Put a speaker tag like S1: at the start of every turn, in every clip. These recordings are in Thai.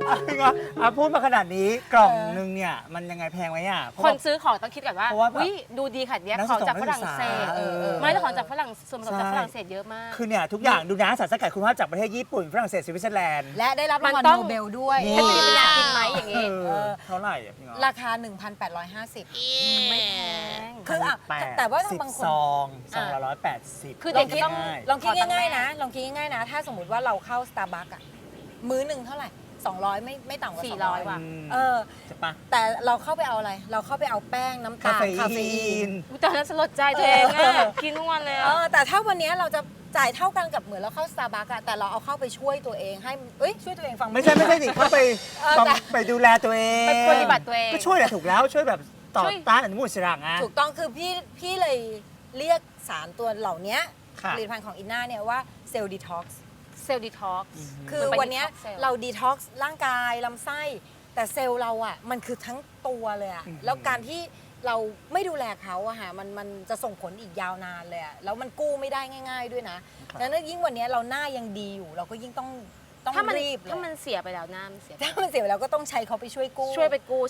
S1: พูดมาขนาดนี้กล่องนึงเนี่ยมันยังไงแพงไหมอ่ะ
S2: คนซื้อของต้องคิดก่อนว่าดูดีขนาดนี้ของจากฝรั่งเศสไม่แต่ของจากฝรั่งส่วนผสมจากฝรั่งเศสเยอะมาก
S1: คือเนี่ยทุกอย่างดูนะสารสกัดคุณภาพจากประเทศญี่ปุ่นฝรั่งเศสสวิตเซอร์แลนด์
S3: และได้รับรางวัลโนเบลด้วย
S2: จะอยากกินไหมอย่างงี้
S1: เท่าไหร่พี่ง้อ
S3: ราคา 1,850
S2: ไม่แพง
S3: คือแต่ว่าบางคน
S1: ซองละ180
S2: คือเด็กก็ต้อง
S3: ลองคิดง่ายๆนะลองคิดง่ายๆนะถ้าสมมติว่าเราเข้า Starbucks อ่ะมื้อหนึ่งเท่าไหร่200ไม่ต่ำกว่า
S2: 400ว่ะ
S1: ใช่ปะ
S3: แต่เราเข้าไปเอาอะไรเราเข้าไปเอาแป้งน้ำตาลคาเฟอีน
S2: ตอนนั้นสลดใจตัวเองกินทุกวันเลย
S3: แต่ถ้าวันนี้เราจะจ่ายเท่ากันกับเหมือนเราเข้า Starbucks อะแต่เราเอาเข้าไปช่วยตัวเองให้ช่วยตัวเองฟัง
S1: ไม่ใช่ดิเข้าไปดูแลตัวเอง
S2: ไปปฏิบัติตัวเอง
S1: ก็ช่วยแหละถูกแล้วช่วยแบบต่อต้านอนุมูลอิสระไง
S3: ถูกต้องคือพี่เลยเรียกสารตัวเหล่านี้ผลิตภัณฑ์ของอินน่าเนี่ยว่าเซลล์ดีท็อกซ์คือวันนี้เราดีท็อกซ์ร่างกายลำไส้แต่เซลล์เราอ่ะมันคือทั้งตัวเลยอ่ะแล้วการที่เราไม่ดูแลเขาอะค่ะมันจะส่งผลอีกยาวนานเลยอะแล้วมันกู้ไม่ได้ง่ายๆด้วยนะดังนั้นยิ่งวันนี้เราหน้ายังดีอยู่เราก็ยิ่งต้องรีบ
S2: ถ้ามันเสียไปแล้วหน้ามันเสีย
S3: ถ้ามันเสียไปแล้วก็ต้องใช้เขาไปช่วยกู้
S2: ช่วยไปกู้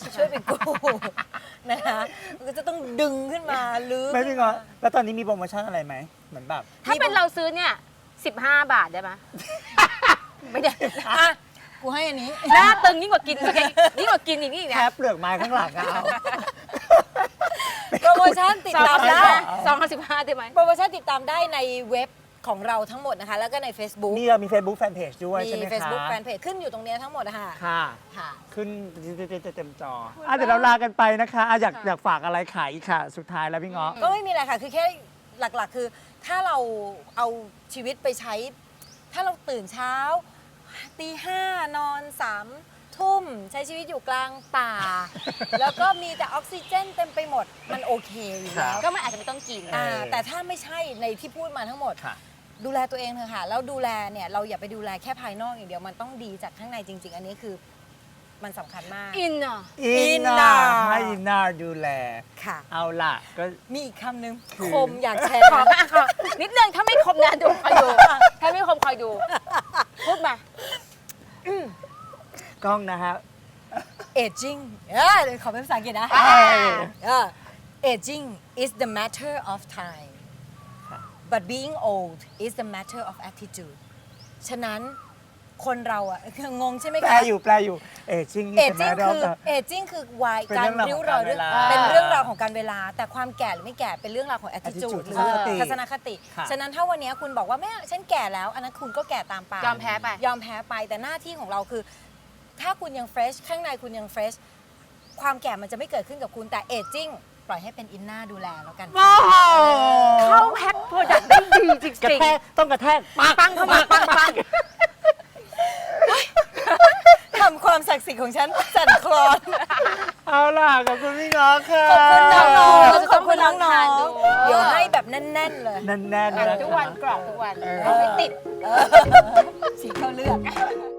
S3: นะคะก็จะต้องดึงขึ้นมาลื้อ
S1: ไม่พี่ง้อแล้วตอนนี้มีโปรโมชั่นอะไรไหมเหมือนแบบ
S2: ถ้าเป็นเราซื้อเนี่ย15 บาทได้ไหม
S3: ไม่ได้กูให้อันนี้
S2: หน้าตึงยิ่งกว่ากินอย่างนี้
S1: แค่เปลือกไม้ข้างหลังเอา
S3: โปรโมชั่นติดตามได้
S2: 215ได้ไหม
S3: โปรโมชั่นติดตามได้ในเว็บของเราทั้งหมดนะคะแล้วก็ใน Facebook
S1: นี่เรามี Facebook Fanpage ด้วยใช่ไหมคะ
S3: มี Facebook Fanpage ขึ้นอยู่ตรงนี้ทั้งหมดนะคะ
S1: ค่ะขึ้นเต็มจอเดี๋ยวเราลากันไปนะคะอยากฝากอะไรขายอีกค่ะสุดท้ายแล้วพี่ง้อ
S3: ก็ไม่มีอะไรค่ะคือแค่หลักๆคือถ้าเราเอาชีวิตไปใช้ถ้าเราตื่นเช้าตี 5นอน3 ทุ่มใช้ชีวิตอยู่กลางป่าแล้วก็มีแต่ออกซิเจนเต็มไปหมดมันโอเคอยู่แล้ว
S2: ก็มันอาจจะไม่ต้องกิน
S3: แต่ถ้าไม่ใช่ในที่พูดมาทั้งหมดดูแลตัวเองเถอะค่ะแล้วดูแลเนี่ยเราอย่าไปดูแลแค่ภายนอกอย่างเดียวมันต้องดีจากข้างในจริงๆอันนี้คือมันสำคัญมาก
S2: อิน
S1: น่าให้อินน่าดูแล
S3: ค่ะ
S1: เอาล่ะก็
S3: มีอีกคำหนึ่งคมอยากแชร์
S2: นิดนึงถ้าไม่คมนะดูคอยดูถ้าไม่คมคอยดูพูดม
S1: ากล้องนะฮะ
S3: aging ขอเป็นภาษาอังกฤษนะ aging is the matter of time but being old is the matter of attitude ฉะนั้นคนเราอะงงใช่ไหมคะ
S1: แปลอยู่aging
S3: คือวัยการริ้วรอยเป็นเรื่องราวของการเวลาแต่ความแก่หรือไม่แก่เป็นเรื่องราวของ attitude หรือทัศนคติฉะนั้นถ้าวันนี้คุณบอกว่าแม่ฉันแก่แล้วอันนั้นคุณก็แก่ตามไป
S2: ยอมแพ้
S3: ไปแต่หน้าที่ของเราคือถ้าคุณยัง fresh ข้างในคุณยัง fresh ความแก่มันจะไม่เกิดขึ้นกับคุณแต่ aging ปล่อยให้เป็นอินน่าดูแลแล้วกัน
S2: เข้าแพ็คโปรดักต์ได้ดีจริง
S1: ๆต้องกระแทก
S2: ปังเข้ามาปัง
S3: ทำความศักดิ์สิทธิ์ของฉันสั่นคลอน
S1: เอาล่ะขอบคุณพี่ง้อค่ะ
S3: ขอบคุณน้องๆขอบคุณน้องๆเดี๋ยวให้แบบแน่นๆเลย
S1: แน่นๆ
S2: ทุกวันกรอบทุกวันไม่ติด
S3: สีเข้าเลือด